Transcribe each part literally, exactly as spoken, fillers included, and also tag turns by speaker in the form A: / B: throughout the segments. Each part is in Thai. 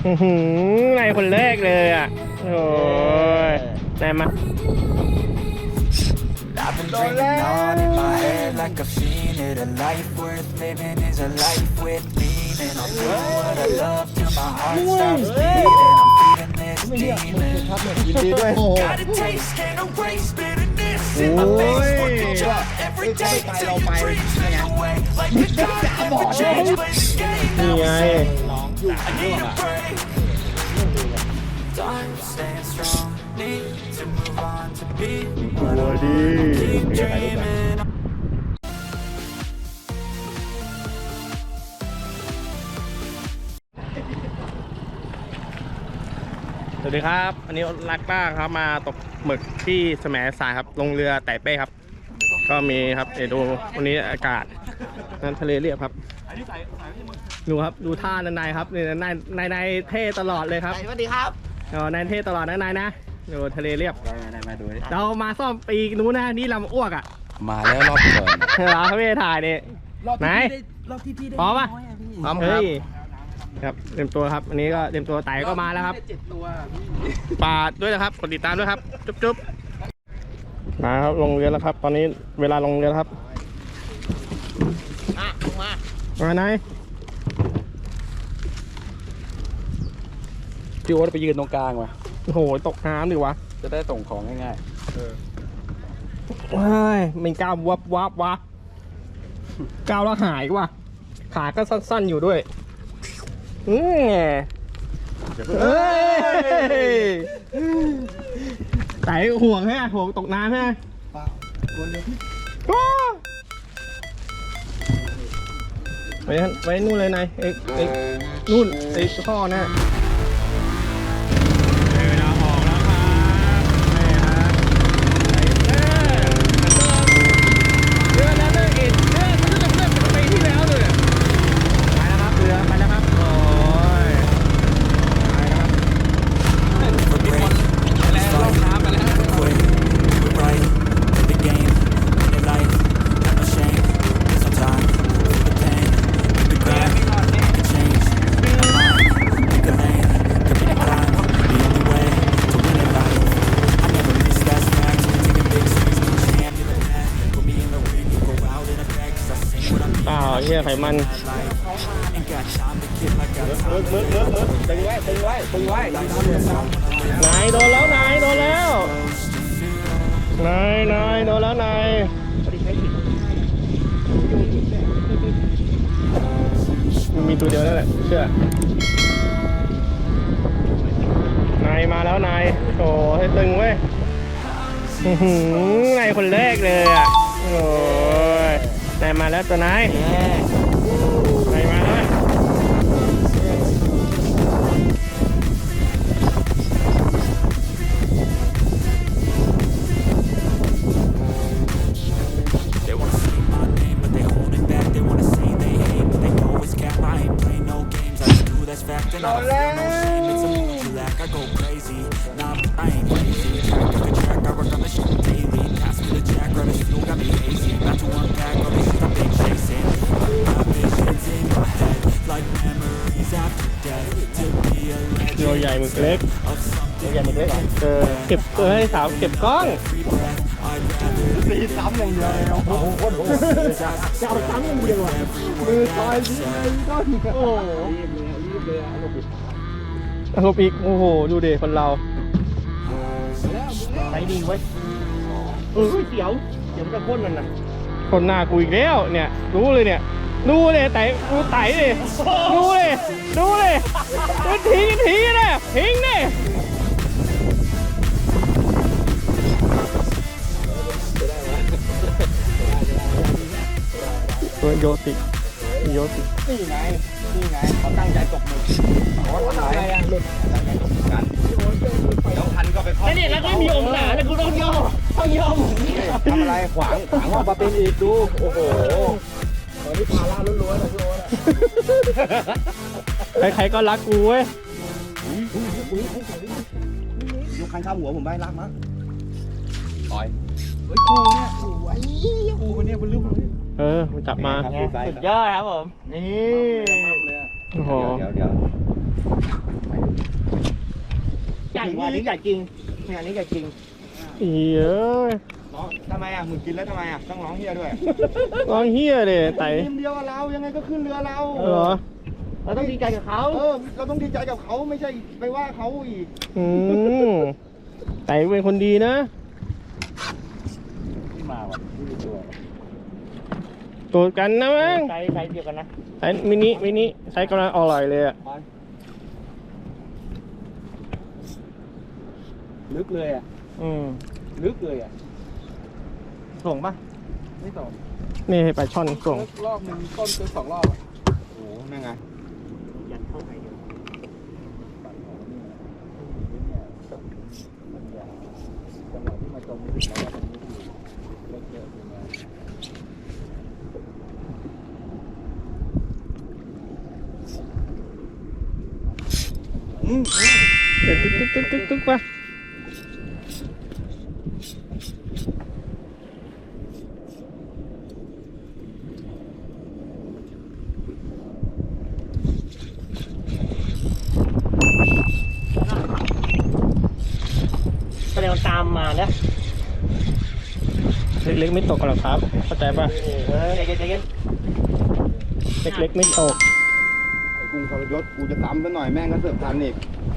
A: นายคนแรกเลยอ่ะโอ้ยนายมา
B: I've been dreaming on in my head like I've seen it. A life worth living is a life with meaning. I'll do what I love till my heart stops beating. I'm feeding this demon. Got a taste, can't erase bitterness in my face. Working job every day till your dreams fade away. Like a god, never change, play the game. Now I need a break. Time staying strong, need to move on to be what I wanna keep dreaming.
A: สวัสดีครับอันนี้รักป้าครับมาตกหมึกที่แสมสารครับลงเรือไต่เป้ครับก็มีครับเดี๋ยวดูวันนี้อากาศนั้นทะเลเรียบครับดูครับดูท่านายครับนี่นายนายนายเท่ตลอดเลยครับ
C: สวัสดีครับ
A: อ๋อนายเท่ตลอดนะนายนะดูทะเลเรียบเรามาซ่อมปีนู้นนะนี่ลำอ้วกอ่ะ
D: มาแล้วรอบก่อน
A: เหรอพี่ถ่ายนี่ไหนพร้อมป่ะ
D: พร้อมครับ
A: ครับเตรียมตัวครับอันนี้ก็เตรียมตัวไต่ก็มาแล้วครับปาดด้วยนะครับกดติดตามด้วยครับจุ๊บจุ๊บมาครับลงเรือแล้วครับตอนนี้เวลาลงเรือครับ
C: มามา
A: มาไหน
D: พี่โอ๊ตไปยืนตรงกลางวะ
A: โอ้โหตกน้ำดิวะ
D: จะได้ส่งของง่ายๆเออ
A: ว้ายมันก้าววับวับวะก้าวแล้วหายว่ะขาก็สั้นๆอยู่ด้วยเฮ้ยไต่ห่วงแฮะห่วงตกน้ำแฮะไปไปนู่นเลยนายเอ็กเอ็กนู่นไอ้ข้อน่ะเฮียไขมันมึกมึกมึกมึกตึงไว้ตึงไว้ตึงไว้นายโดนแล้วนายโดนแล้วนายนายโดนแล้วนายมันมีตัวเดียวนั่นแหละเชื่อนายมาแล้วนายโอ้ให้ตึงเว้ยนายคนแรกเลยอ่ะโอ้ยนายมาแล้วตัวนายนายมาแล้วตัวใหญ่หมึกเล็กตัวใหญ่หมึกเล็กเออเก็บเออให้สาวเก็บกล้องตีซ้ำอย่างเดียวเลยโอ้โหโคตรโหดจะเอาซ้ำอย่างเดียวอ่ะมือซอยที่ไหนก็โอ้โหรีบเลยรีบเลยอารมณ์อีกอารมณ์อีกโอ้โหดูเด็กคนเราไปดีไว้เออเสียวเดี๋ยวมันจะพ่นมันนะคนหน้ากูอีกแล้วเนี่ยรู้เลยเนี่ยดูเลยไต่ดูไต่เลยดูเลยดูเลยดูทิ้งทิ้งเลยทิ้งเลยตัวโยติโยตินี่ไงนี่ไงเขาตั้งใจตกมือเขาทำอะไรอ่ะหลุดตั้งใจตกมือกันแล้วพันก็ไปคล้องนี่แล้วก็มีองศาแต่กูต้องย่อต้องย่อหมุนทำอะไรขวางขวางว่ามาเป็นอีกดูโอ้โหตอนนี้พาล่าล้วนๆเลยพี่โอ๊ตใครๆก็รักกูเว้ยยกคันข้ามหัวผมไปรักมั้งปล่อยเฮ้ยกูเนี่ยสวยกูคนนี้มันลืมเออมันจับมาสุดยอดครับผมนี่โอ้โหเดี๋ยวเดี๋ยวว่าอันนี้ใหญ่จริงเนี่ยอันนี้ใหญ่จริงอีเอ้ย
C: ร้องทำไมอ่ะมึงกินแล้วทำไมอ่ะต้องร้องเฮียด้วย
A: ร้องเฮียเลยไต่
C: ทีมเดียวกับเรายังไงก็ขึ้นเรือเรา
A: เหรอเราต้องดีใจกับเขา
C: เออเราต้องดีใจกับเขาไม่ใช่ไปว่าเขาอีก
A: อืมไต่เป็นคนดีนะ
D: ที่มาว่ะที่มีตัว
A: ตัวกันนะมั้ง
C: ใช้ใช้เดียวกันนะ
A: ไซส์มินิมินิไซส์กำลังอร่อยเลยอ่ะ
D: ลึกเลยอ่ะ
A: อืม
D: ลึกเลยอ่ะ
C: ส่งปะ
D: ไม่ต่อ
A: นี่ให้ปลาช่อนส่ง
D: รอบหนึ่งต้นเกินสองรอบอ่ะ
C: โอ้โหนั่นไง
A: ยันเข้าไปเดียว
D: ปั่นของนี่เนี่ยมันยาวจังหวะที่มาจมนี่แล้วว่ามันไม่อยู่เล็กเยอะอยู่นะ
C: อืม
A: เดี๋ยวตึ๊กตึ๊กตึ๊กตึ๊กตึ๊กป่ะแสดงตามมาแล้วเล็กๆไม่ตกหรอกครับเข้าใจป่ะ
C: เออใจเย็นใจเย็น
A: เล็กๆไม่ตก
C: ไอ้กรุงทรยศกูจะตำซะหน่อยแม่งก็เสือกทันอีก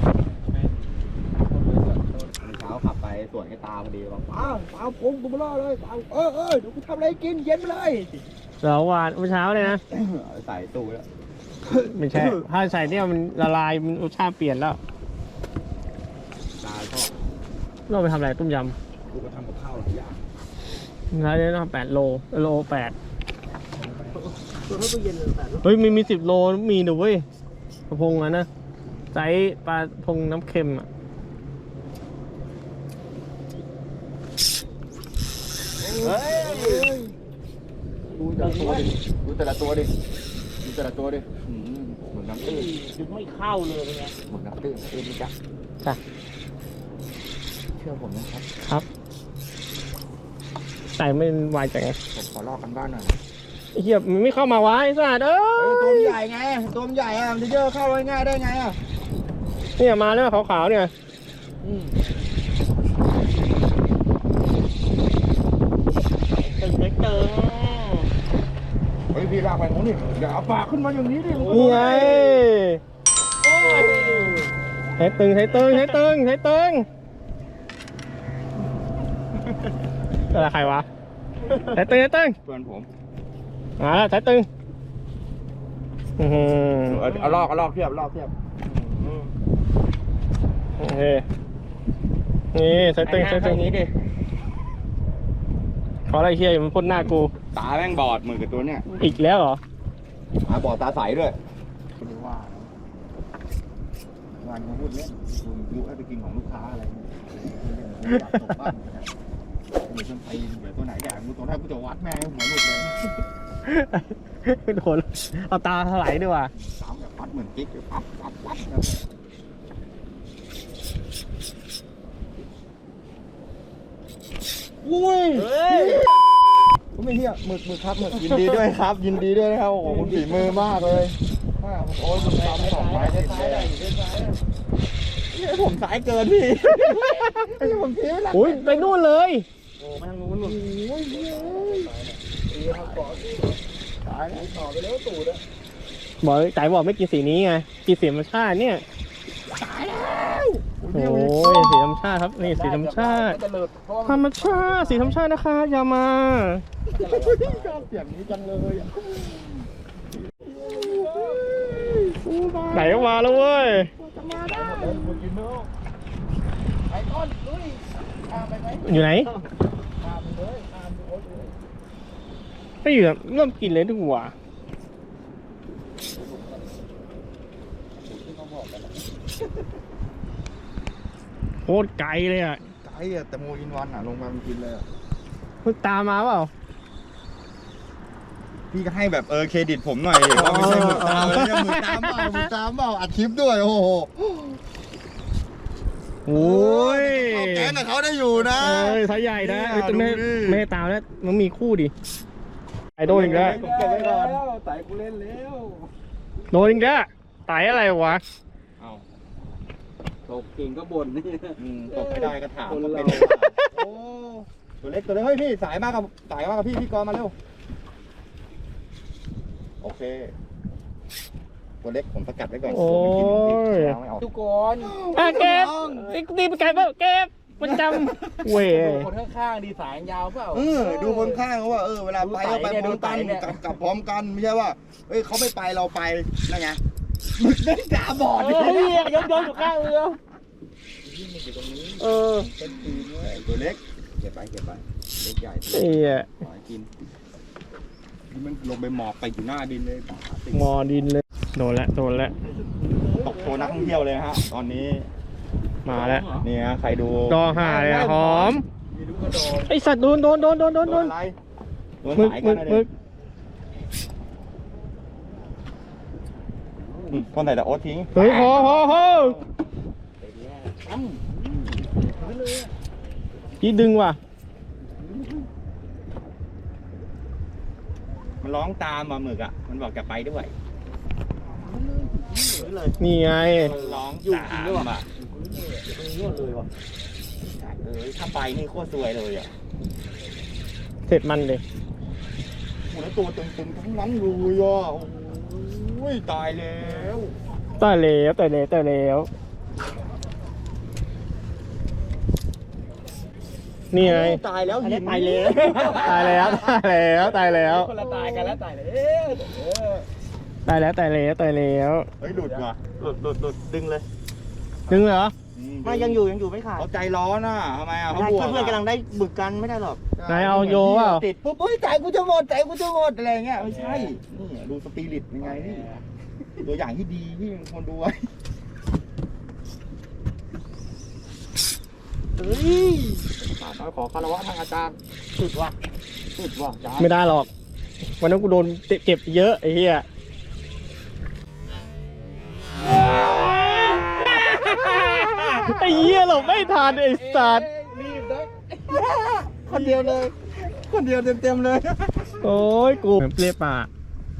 C: เช้าขับไปสวนกับตาพอดีบอกป้าป้าผมกูมาล่อเลยป้าเออเออเดี๋ยวกูทำอะไรกินเย็นไปเลย
A: เราหวานเมื่อเช้าเลยนะ
C: ใส่ตู้แล้ว
A: ไม่ใช่ ถ้าใส่เนี่ยมันละลายมันรสชาติเปลี่ยนแล้ว
C: ตาชอบ
A: เราไปทำอะไรต้มย
C: กูก็ทำกับข้าวหลายอย่าง
A: ำร้านนี้ต้องแปดโลโลแปดเฮ้ยมีมีสิบโลมีดูเว้ยกระพงอ่ะนะไซส์ปลาพงน้ำเค็มอ่ะ
C: เฮ้ยดูแต่ละตัวดิดูแต่ละตัวดิดูแต่ละตัวดิอืมเหมือนน้ำตื้น
A: ดึงไม่เข้าเลยเป็นไง
C: เหมือนน้ำตื้นตื้นนี่จ้ะ
A: จ้ะ
C: เชื่อผมนะครับ
A: ครับใส่ไม่วายจังไง
C: ผมขอลอกกันบ้านหน่อย
A: ไอ้เหี้ยมันไม่เข้ามาวะไอ้สัตว์เอ้
C: เออตัวมัน
A: ย
C: ใหญ่ไงตัวมันใหญ่อะมันจะเยอะเข้าง่ายๆได้ไงอะ
A: เนี่ยมาแล้วขาวๆเนี่ย ตึงเล็กตึง
C: เฮ้ยพี่ลากไปตรงนี้อย่าเอาปากขึ้นมาอย่างนี้ดิ
A: นี่ไงใช้ตึงใช้ตึงใช้ตึงใช้ตึงอะไรใครวะใช้ตึงใช้ตึง
C: เพื่อนผม
A: มาแล้วใช้ตึงอือหือ
C: เอาเอาลอกเอาลอกเทียบลอกเทียบ
A: โอเคนี่ใช้ตึงใช้ตึงนี้ดิขออะไรเฮียมันพ่นหน้ากู
C: ตาแม่งบอดเหมือนกับตัวเนี้ย
A: อีกแล้วเหรอ
C: ตาบอดตาใสด้วย
D: คุณว่างานเขาพูดเล่นคุณยุให้ไปกินของลูกค้าอะไรเนี่ยตกบ้านเหมือนคนตีนเหมือนตัวไหนแดกกูตัวแรกกูจะวัดแม่งหัวหลุดเลย
A: โดนเอาตาถลายด้วยว่ะ
C: สามแบบวัดเหมือนกิ๊กปั๊บปั๊บปั๊บ
A: อุ้ย
C: ผมไม่เฮียหมึกหมึกครับหมึกยินดีด้วยครับ ยินดีด้วยนะครับโอ้โหคุณฝีมือมากเลยโอ้ยคุณทำสองไม้ติดเลยนี่ผมสายเกินพี่นี่ผมทิ้งแล้ว
A: อุ้ยไปนู่นเลย
C: โอ้มาทางนู้นนู่นโอ้ยเฮ้ยตายแล้วต่อไปแล้วตูดอะ
A: บอกไต่บอกไม่กินสีนี้ไงกินสีธรรมชาติเนี่ย
C: ตายแล้ว
A: โอ้ยสีธรรมชาติครับนี่สีธรรมชาติ
C: จะเลิกเพราะ
A: ธรรมชาติสีธรรมชาตินะคะอย่ามา
C: ชอบเสียงนี้จังเลยอะ
A: ไหนก็มาแล้วเว้ย
C: ไอ้ต้นลุยข้ามไปไหม
A: อยู่ไหน
C: ข้ามไปเลยข้ามไปโอ๊ตเลย
A: ไม่อยู่อะเริ่มกินเลยดีกว่าโคตรไกลเลยอ่ะ
C: ไกลอะแต่โมอินวันอะลงมามันกินเลยอะ
A: มึงตามมาเปล่า
C: พี่ก็ให้แบบเออเครดิตผมหน่อยดิว่าไม่ใช่หมึกตามเลยเนี่ยหมึกตามเปล่าหมึกตามเปล่าอัดคลิปด้วยโอ้โห
A: โอ้ย
C: เอาแกงกับเขาได้อยู่นะ
A: เอ้ยสายใหญ่นะ
C: เนี่ย
A: เอ้ยแต่ไม่
C: ดูดิ
A: ไม่ให้ตามแล้วมันมีคู่ดิไอโดนอีกแล้ว
C: ผมเก็บไว้ก่อน
D: ไต่กูเล่นแล้ว
A: โดนอีกแล้วไตอะไรวะ
C: เอา
E: ตกเก่งก็บ่นนี่
C: อืมตกไม่ได้ก็ถาม
E: คน
C: ว่า
E: เรา
C: เป็นโอ้ตัวเล็กตัวเล็กเฮ้ยพี่สายมากกับสายมากกับพี่พี่กรณ์มาเร็วโอเคตัวเล็กผมสกัดไว้ก่อน
A: โอ้ย
C: กลัวมันกินของพี่ไม่เอา
E: ทุกคน
A: อ่ะเก็บตีไปไกลเปล่าเก็บมันจำเว้ย
E: คนข้างๆดีสายยาวเปล่า
C: เออดูคนข้างเขาว่าเออเวลาไปเราไปพร้อมกัน
E: ดูไต่เนี่ย
C: กลับกลับพร้อมกันไม่ใช่ว่าเอ้ยเขาไม่ไปเราไปนั่นไงมึงได้ตาบอด
A: เฮ้ยย้อนย้อนอยู่ข้างเรือเออ
C: เป็นปีนเว้ยตัวเล็กเก็บไปเก็บไปเล็กใหญ่
A: ไอ้เหี้ย
C: ขอให้กินนี่มันลงไปหมอบไปอยู่หน้าดินเลยป่าติ
A: มอดินเลยโดนละโดนละ
C: ตกโชว์นักท่องเที่ยวเลยฮะตอนนี้
A: มาแล้ว
C: นี่ฮะใครดู
A: ดอหาเลยอะหอมไอสัตว์โดนโดนโดนโดนโดน
C: โด
A: โด
C: น
A: น
C: อะไรโดน
A: มึก
C: สาย
A: มึ
C: กัน
A: ก
C: นะ
A: มึ
C: เด็
A: ก
C: กคนไหนแต่โอ๊ตทิ้ง
A: เฮ้ยพอพอพอพี่ดึงว่ะ
C: มันร้องตามมาหมึกอ่ะมันบอกจะไปด้วย
A: นี่ไง
C: มันร้องตามอ่ะเออถ้าไปนี่โคตรซวยเลยอ่ะ
A: เสร็จมันเลย
C: โอ้แล้วตัวตึงๆทั้งนั้นเลยอ่ะโอ้ยตายแล้ว
A: ตายแล้วตายแล้วตายแล้วนี่ไง
C: ตายแล้วหิน
A: ตายแล้วตายแล้วตายแล้วตายแล้ว
E: คนละตายกันแล้วตายเลย
A: ตายแล้วตายแล้วตายแล้ว
C: เฮ้ยหลุดว่ะหลุดหลุดหลุดดึงเลย
A: ดึงเหรอ
C: ไม่ยังอยู่ยังอยู่ไม่ขาดเขาใจร้อนอ่ะทำไมอ่ะเขาบวกเพื่อนกำลังได้บึกกันไม่ได้หรอก
A: นายเอาโยเปล่า
C: ติดปุ๊บเฮ้ยใจกูจะหมดใจกูจะหมดอะไรเงี้ยไม่ใช่นี่ดูสปิริตยังไงนี่ตัวอย่างที่ดีที่คนดูไว้เฮ้ยป่าน้อยขอคารวะทางอาจารย์สุดว่ะสุดว่ะอาจารย์
A: ไม่ได้หรอกวันนั้นกูโดนเจ็บเยอะไอ้เหี้ยไอ้เหี้ยหลบไม่ทันไอ้สัตว์
E: รีบนะ
C: คนเดียวเลย คนเดียวเต็มเต็มๆเลย
A: โอ้ยกูเปรี้ยปาก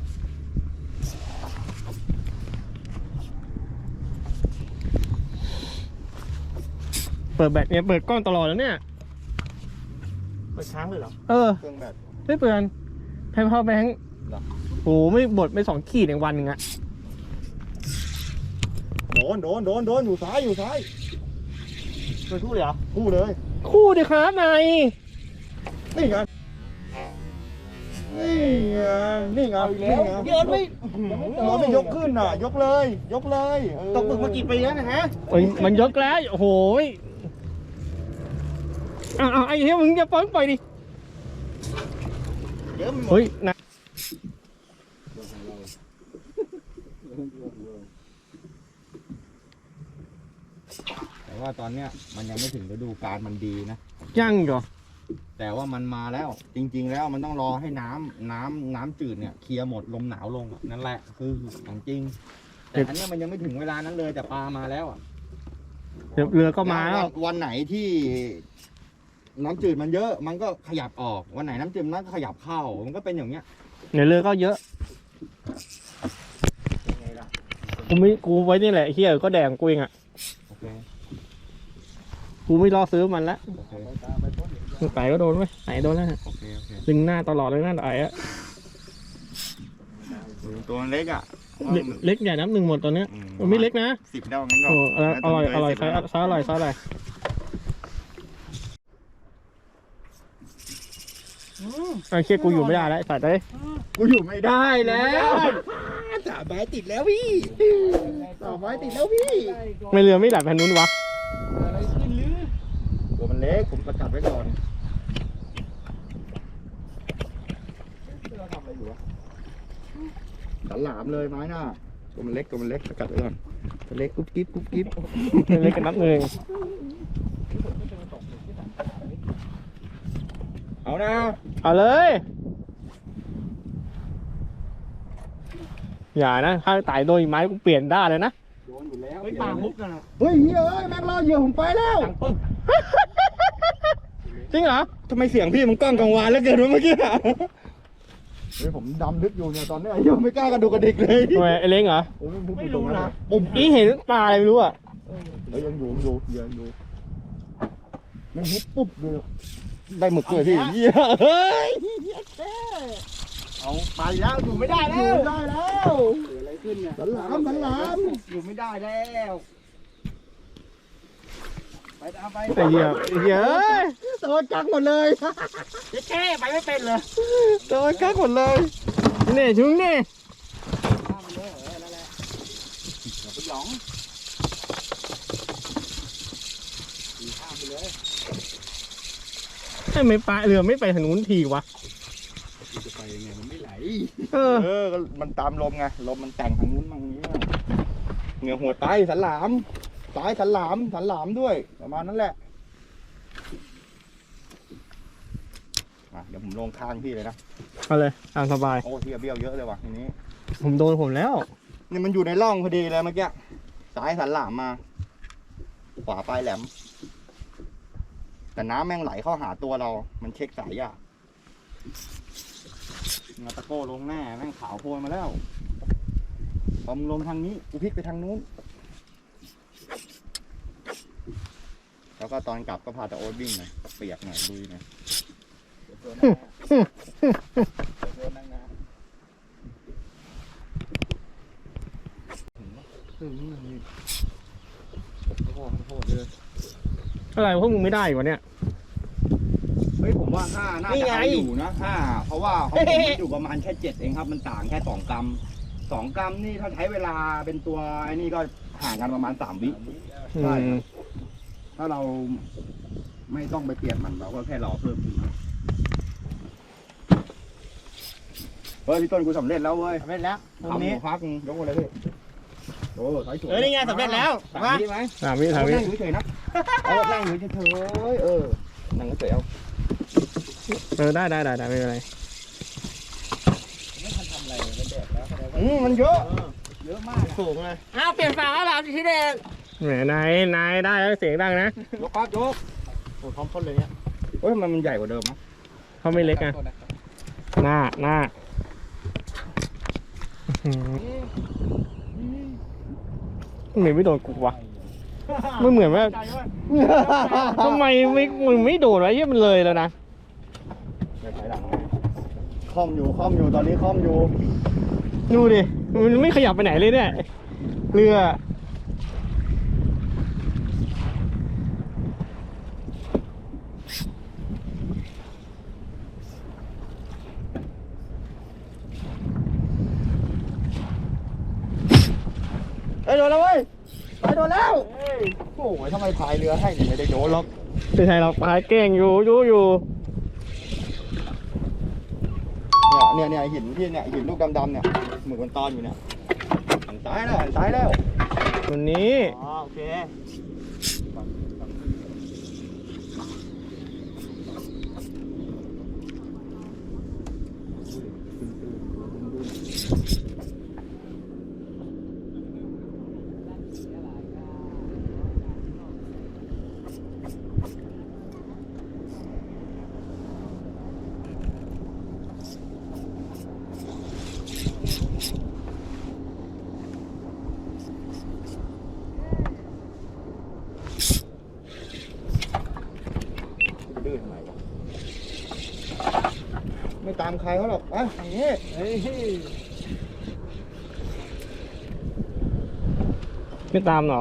A: เปิดแบตเนี่ยเปิดกล้องตลอดแล้วเนี่ย
C: ไปช้างเลยเหรอ
A: เออ
C: เครื่องแบบ
A: ไม่เปลือนไพพาวแบงค์
C: เหรอ
A: โอ้ไม่บดไปสองขีดในวันหนึ่งอะ
C: โดนโดนโดนโดนอยู่ซ้ายอยู่ซ้ายเป็นคู่เลยเหรอคู่เลย
A: คู่ดิครับนาย
C: นี่ไงนี่ไงนี่ไงนี่ไง
E: เดี๋ยวไม่
C: หัวไม่ยกขึ้นอ่ะ ยกเลย ยกเลยตกตึกมากี่ปีแล้วนะฮะ
A: เอ้ยมันยกแล้วโอ้โหยอ้าวอ้าวไอ้เหี้ยมึงจะปล่อยปล่อยดิ
C: เดี๋ยวมันหมด
A: เฮ้ยนะ
C: แต่ว่าตอนเนี้ยมันยังไม่ถึงฤดูกาลมันดีนะ
A: ยังเหรอ
C: แต่ว่ามันมาแล้ว จริง ๆ แล้วมันต้องรอให้น้ำน้ำน้ำจืดเนี่ยเคลียร์หมดลมหนาวลงอะนั่นแหละคือของจริง แต่อันเนี้ยมันยังไม่ถึงเวลานั้นเลยแต่ปลามาแล้วอ่ะ
A: เดี๋ยวเรือก็มาแล้ว
C: นวันไหนที่น้ำจืดมันเยอะ มันก็ขยับออกวันไหนน้ำจืดมันก็ขยับเข้ามันก็เป็นอย่างเงี้ย
A: เดี๋ยวเรือก็เยอะ
C: ยังไงล่ะ
A: กูไม่กูไว้นี่แหละเฮียก็แดงกูเองอ่ะ
C: โอเค
A: กูไม่รอซื้อมันละ
C: โอเค
A: ไต่ก็โดนไหมไต่โดนแล้วนะ
C: โอเคโอเค
A: ดึงหน้าตลอดเลยนั่นไต่อะ
C: ตัวเล็กอ่ะ
A: เล็กเล็กใหญ่น้ำหนึ่งหมดตอนเนี้ยมันไม่เล็กนะ
C: สิบดาวงั้นก็
A: โอ้อร่อยอร่อยไซส์ไซส์อร่อยไซส์อร่อยไอ้เชี่ยกูอยู่ไม่ได้แล้วไอ้สัตว์เอ้ย
C: กูอยู่ไม่ได้แล้วสามไม้ติดแล้วพี่สามไม้ติดแล้วพี่
A: ไม่เรือไม่หลับแผ่นนู้นวะ
C: ตัวมันเล็กผมสกัดไว้ก่อนเราทำอะไรอยู่วะดันหลามเลยไม้หน้าตัวมันเล็กตัวมันเล็กสกัดไว้ก่อนตัวเล็กกุ๊บกิ๊บกุ๊บกิ๊บ
A: เล็กกันนับหนึ่ง
C: เอานะ
A: เอาเลยอย่านะถ้าไต่โดนไม้กูเปลี่ยนได้เลยนะ
C: โดนอยู่แล้ว
E: เฮ้ยปลามุกกันอะ
C: เฮ้ยเฮ้ยแม็กรอเหยื่อผมไปแล้ว
A: จริงเหรอ
C: ทำไมเสียงพี่มันก้องกังวานแล้วเกินวะเมื่อกี้อะเฮ้ยผมดำลึกอยู่เนี่ยตอนนี้ยังไม่กล้ากระดูกกระดิกเลย
A: ทำไมไอ้เล้งเหรอ
C: ไม่รู้นะปุ่ม
A: อีเห็นปลาอะไรไม่รู้อ่ะ
C: ดฮ้ยยังอยู่ยังอยู่ยังอยู่มันฮิตปุ๊บเลยได้หมึกเลยพี่เหี้ยเฮ้ยเอาไปแล้วอยู่ไม่ได้แล้วอยู่ไม่ได้แล้ว
E: เกิดอะไรขึ้นเนี่ย
C: สันหลามสันหลาม
E: อยู่ไม่ได้แล้วไปตามไป
A: ไอ้เหี้ยไอ้เหี้ยเอ้ย
C: โดนกักหมดเลย
E: แค่ไปไม่เป็นเลย
C: โดนกักหมดเลย
A: นี่ชุงนี่
E: ข้ามไปเลยเออนั่นแหละอย่าไปหยองขี่ข้ามไปเลย
A: ให้ไม่ปลาเรือไม่ไปทางนู้นทีวะ
E: จะไปยังไงมันไม่ไหล
A: เออ
C: เออก็มันตามลมไงลมมันแต่งทางนู้นมั่งนี้มั่งเหนือหัวไตสันหลามสายสันหลามสันหลามด้วยประมาณนั้นแหละมาเดี๋ยวผมลงข้างพี่เลยนะ
A: เอาเลยตามสบาย
C: โอ้ที่เบี้ยวเยอะเลยว่ะทีนี้
A: ผมโดนผมแล้ว
C: นี่มันอยู่ในร่องพอดีเลยเมื่อกี้สายสันหลามมาขวาปลายแหลม แต่น้ำแม่งไหลเข้าหาตัวเรา มันเช็คสายยากงาตะโก้ลงแน่แม่งขาวโพลนมาแล้วพอมึงลงทางนี้กูพลิกไปทางนู้นแล้วก็ตอนกลับก็พาตะโอ๊ตวิ่งหน่อยเปียกหน่อยลุยหน่อย
E: เดี๋ยวตัวนั่งนะเดี๋ยวตัวนั่งนะ
C: เออนี่นี่โทษโทษเลย
A: อะไรพวกมึงไม่ได้วะเนี่ย
C: เฮ้ยผมว่าห้าน่า
A: นี่
C: จะ
A: ไง
C: เอาอยู่นะห้าเพราะว่าของผมมันอยู่ประมาณแค่เจ็ดเองครับมันต่างแค่สองกรัมสองกรัมนี่ถ้าใช้เวลาเป็นตัวไอ้นี่ก็ห่างกันประมาณสามวิ
A: อื
C: ใช่
A: ม
C: ถ้าเราไม่ต้องไปเปลี่ยนมันเราก็แค่รอเพิ่มขึ้นมาเฮ้ยพี่ต้นกูสำเร็จแล้วเว้ย
A: สำเร็จแล้วตรง
C: ทำ
A: นี้
C: หัวพักยกมาเลยพี่โอ้สายสวย
A: เออนี่ไงสำเร็จแล้ว
C: สาม
A: มา
C: วิไหม
A: สามวิสามวิ
C: นั่งอยู่เฉยๆนะเอานั่งอยู่เฉยๆเออนั่งเฉยๆเอา
A: เออได้ได้ได้ได้ไม่เป็นไร
E: ไม่ทันทำอะไรเลยมันแดดแล้วแสดงว่า
C: อืมมันเยอะ
E: เยอะมากอะ
C: สูงเลย
A: อ้าวเปลี่ยนฝาแล้วเหรอที่แดงแหมนายนายได้แล้วเสียงดังนะ
C: ยกปั๊บยก
A: โอ้พร้อมพ่นเลยเนี่ย
C: เฮ้ยมันมันใหญ่กว่าเดิมมั้ย
A: เขาไม่เล็กอ่ะ
E: โทษนะครับ
A: หน้าหน้าอื้อหือทำไมไม่โดนกูวะไม่เหมือนว่าทำไมไม่มึงไม่โดนวะเหี้ยมันเลยแล้วนะ
C: คอมอยู่คอมอยู่ตอนนี้คอมอยู่
A: ดูดิมันไม่ขยับไปไหนเลยเนี่ยเรือ
C: เอ้ยโดนแล้วเว้ยไปโดนแล้วโอ้ยทำไมพายเรือให้เนี่ยไม่ได้โดนหรอก
A: ไม่ใช่เราพายแกล้งอยู่อยู่อยู่
C: เนี่ยเนี่ยเนี่ยหินที่เนี่ยหินลูกดำๆเนี่ยเหมือนคนตอนอยู่เนี่ยหันซ้ายแล้วหันซ้ายแล้ว
A: วันนี้
C: อ๋อโอเคดื้อทำไมวะไม่ตามใครเขาหรอกอ่ะอย่างนี้
E: เฮ้ย
A: ไม่ตามเหรอ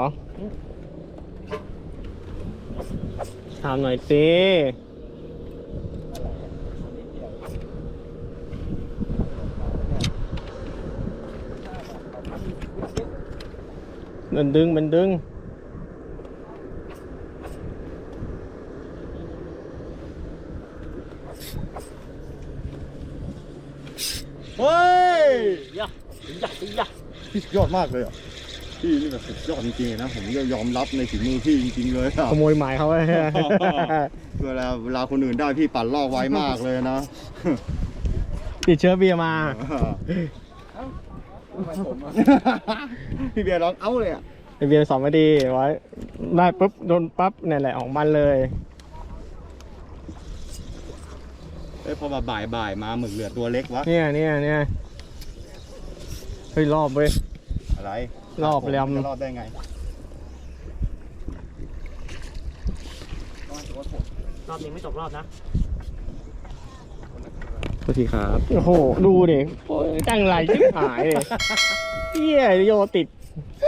A: ถามหน่อยสิมันดึงมันดึง
C: เฮ้ย
A: ยะยะยะ
C: พี่สุดยอดมากเลยอ่ะพี่นี่แบบสุดยอดจริงๆนะผมยอมรับในฝีมือพี่จริงๆเลยอ่ะ
A: ขโมยหมายเขาไว้
C: เวลาเวลาคนอื่นได้พี่ปั่นลอกไวมากเลยนะ
A: ติดเชื้อเบียร์มา
E: ทำไมผมอะ
C: พี่เบียร์ร้องเอ้าเลยอ่ะ
A: ไอเบียร์สองนาทีไว้ได้ปุ๊บโดนปั๊บเนี่ยแหละของมันเลย
C: เอ้ยพอมาบ่ายบ่ายๆมาหมึกเหลือตัวเล็กวะ
A: เนี่ยเนี่ยเนี่ยเฮ้ยรอบเว้ย
C: อะไร
A: รอบแรม
C: จะรอบได้ไง
A: รอบนี้ไม่ตกรอบนะสวัสดีครับ โอ้โห ดูเด็กจังไรชิบหายเลยเฮียโยติด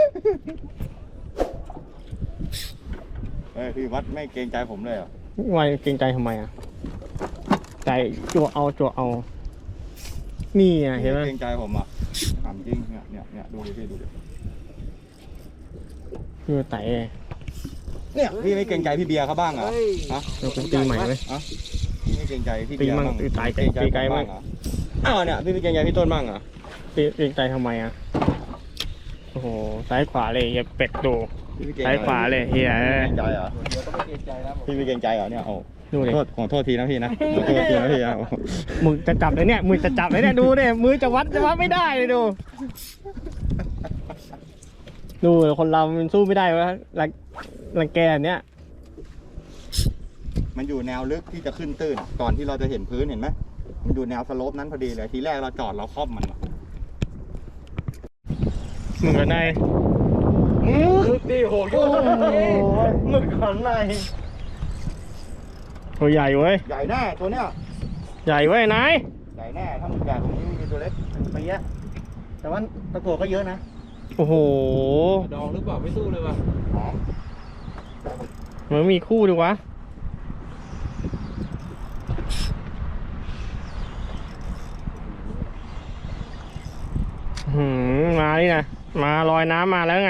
C: เฮ้ยพี่วัดไม่เกรงใจผมเลยเหรอ
A: วายเกรงใจทำไมอ่ะ ใจจั่วเอาจั่วเอา นี่อ่ะเห็นไหม
C: เกรงใจผมอ่ะถามจริงเนี่ยเนี่ยเนี่ยดูดิพี่ดูดิ
A: คือไต่
C: เนี่ยพี่ไม่เกรงใจพี่เบียร์เขาบ้างเหรอฮะ
A: เราเป็นตีใหม่ไหม
C: พี่ไม่เกรงใจพี่
A: ตี
C: เบียร์
A: มั่ง
C: บ้าง
A: ตีตาย
C: เกรงใจ
A: ตี
C: ผม
A: ไกลมั่
C: บ้าง งเหรออ้าวเนี่ยพี่ไม่เกรงใจพี่ต้นบ้างเหรอ
A: เกรงใจทำไมอ่ะ โอ้โห ซ้ายขวาเลยอย่าเป็ดดู
C: พี่ไม่เกรง
A: ซ้ายขวาเลยเฮีย
C: เกรงใจเหรอพี่ไม่เกรงใจเหรอเนี่ยโอ้
A: ดูเลย
C: โทษขอโทษทีนะพี่นะขอโทษทีนะพี่นะ
A: มึงจะจับเลยเนี่ย มือจะจับเลยเนี่ย ดูเนี่ย มือจะวัดจะวัดไม่ได้เลยดู ดูคนเรามันสู้ไม่ได้วะรังรังแกเนี้ย
C: มันอยู่แนวลึกที่จะขึ้นตื้นก่อนที่เราจะเห็นพื้นเห็นไหมมันอยู่แนวสโลปนั้นพอดีเลยทีแรกเราจอดเราครอบมันอะ
A: มึงกันในมึงดีโหโยมึงกันในตัวใหญ่เว้ย
C: ใหญ่แน่ตัวเนี้ย
A: ใหญ่เว้ยนาย
C: ใหญ่แน่ถ้ามึงใหญ่ของนี้มีตัวเล็กไปเยอะแต่ว่าตะกั่วก็เยอะนะ
A: โอ้โห
E: ดองหรือเปล่าไม่สู้เลยว่ะ
C: หอม
A: มันมีคู่ดีวะหืมมาดินะมาลอยน้ำมาแล้วไง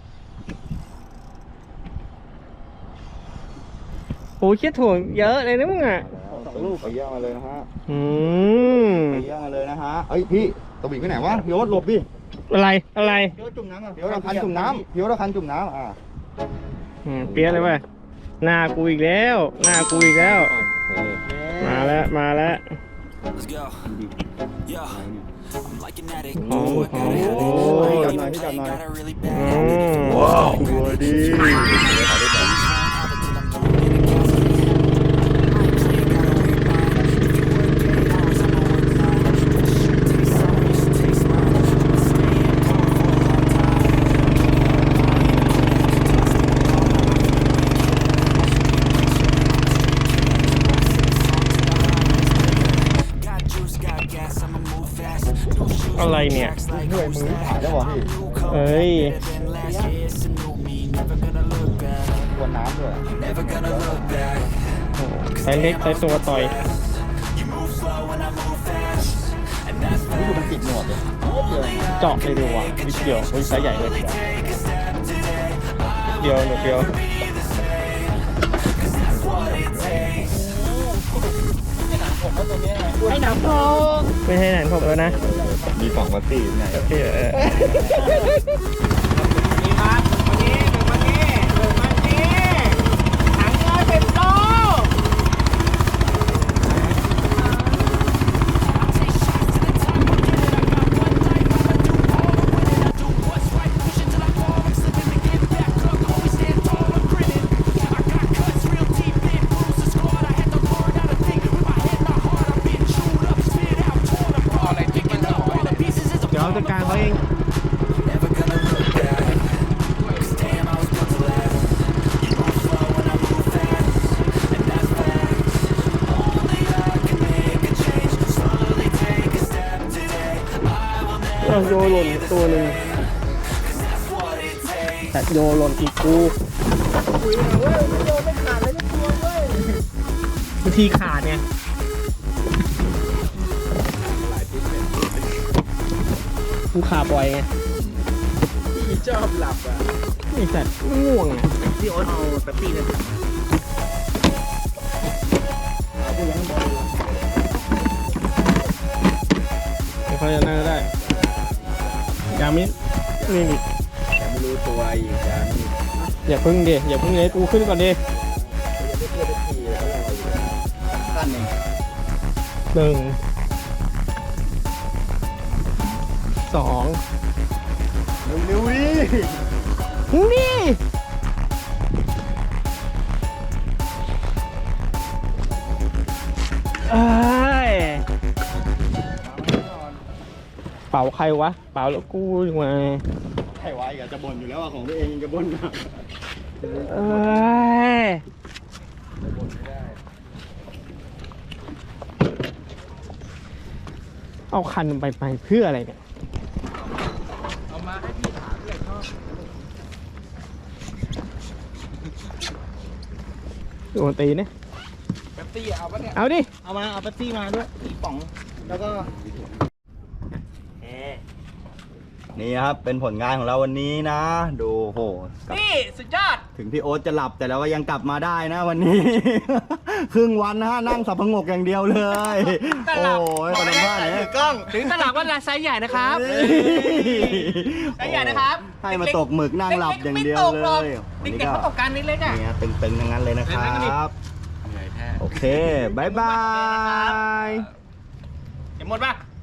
A: โอ้ยเชี่ยถ่วงเยอะเลยนะมึงอ่ะ
C: สองลูกไปเยอะมาเลยนะฮะ
A: อืม
C: ไปเยอะมาเลยนะฮะเอ้ยพี่ตะบิกไปไหนวะพี่โอ๊ตหลบดิ
A: อะไรอะไร
C: พี่โอ๊ตจุ่มน้ำอ่ะพี่โอ๊ตเอาคันจุ่มน้ำพี่โอ๊ตเอาคันจุ่มน้ำอ่า
A: อืมเปี้ยเลยเว้ยหน้ากูอีกแล้วหน้ากูอีกแล้ว มาแล้วมาแล้ว
B: Let's go. Yeah. I'm like an addict.
A: Oh,
B: Oh, I gotta have it.
A: oh,
B: I
C: oh.
B: ain't even play, got a really bad
A: อื
B: habit.
A: ม
C: ว้าวตัวดี
B: Got juice, got gas, I'ma move fast.
A: อะไรเนี่ย
C: เหนื่อยมือถ่ายแล้ววะพี่
A: เอ้ย
B: Than last year, it's a new me. Never gonna look back.
C: วนน้ำด้วย
B: Never gonna look back.
A: ใช้เล็กใช้ตัวต่อย
B: You move slow and I move fast. And that's
C: นี่ดูมันติดหนวดเลย
A: เจาะเลยดีกว่านิดเดียวเฮ้ยไซส์ใหญ่เลยเดียวหนึ่งเดียวให้หนังพอไม่ให้หนังพกแล้วนะ
C: มีสองวัตตี้ไง
A: เออ
E: นี่ครับวันนี้หนึ่งวันนี้หนึ่งวันนี้ถังร้อยเป็นโล
A: เดี๋ยวเอาจัดการเขาเอง
B: never gonna look back. 'Cause damn, I was built to last. You move slow and I move fast. And that's facts. Only I can make a change. Slowly take a step today. I will never
A: เอาโยหล่นตัวหนึ่ง
B: that's what it takes.
A: แต่โยหล่นอีกกูบางทีขาดไงกูขาบ่อยไง
E: พี่ชอบหลับอ่ะ
A: ไอ้สัตว์ง่วงอ่ะ
E: พี่โอ๊ตเอาแป๊บซี่เลย
A: เดี๋ยวเขาจะนั่งก็ได้ยามินี่นี่
C: แต่ไม่รู้ตัวอีกอย่างนี้
A: อย่าพึ่งดิอย่าพึ่งเลยกูขึ้นก่อนดิ
C: ขั้นเอง
A: หนึ่งสอง
C: เร็วๆดิ
A: นี่เอ้ยเป่าใครวะเป่าแล้วกูยังไง
C: ใครไว้ก็จะบ่นอยู่แล้วอะของตัวเองยังจะบ่นนะ
A: เอ้ยเอาคันไปไปเพื่ออะไรเนี่ย
E: เอามาให้พี่ถามเลยชอบ
A: โดนตีเนี่ย
E: แป๊บตี้เอาปะเนี่ย
A: เอาดิ
C: เอามาเอาเป๊ปซี่มาด้วยอีกป๋อง แล้วก็นี่ครับเป็นผลงานของเราวันนี้นะ ดูโห
E: นี่สุดยอด
C: ถึงพี่โอ๊ตจะหลับแต่เราก็ยังกลับมาได้นะวันนี้ ครึ่งวันนะฮะนั่งสับพงกอย่างเดียวเลย
E: แต่
C: โอ้
E: หลับ
C: ยตอนนั้นว่าไหนกล้อง
E: ถึงตลาดว่าไซส์ใหญ่นะครับไซส์ใหญ่นะครับ
C: ให้มาตกหมึกนั่งหลับอย่างเดียวเลย
E: เด็กๆเขาตกกันเล็กๆอ่ะ
C: นี่ตึงๆทั้งนั้นเลยนะครับ โอเคบายบาย
E: เห็นหมดป่ะ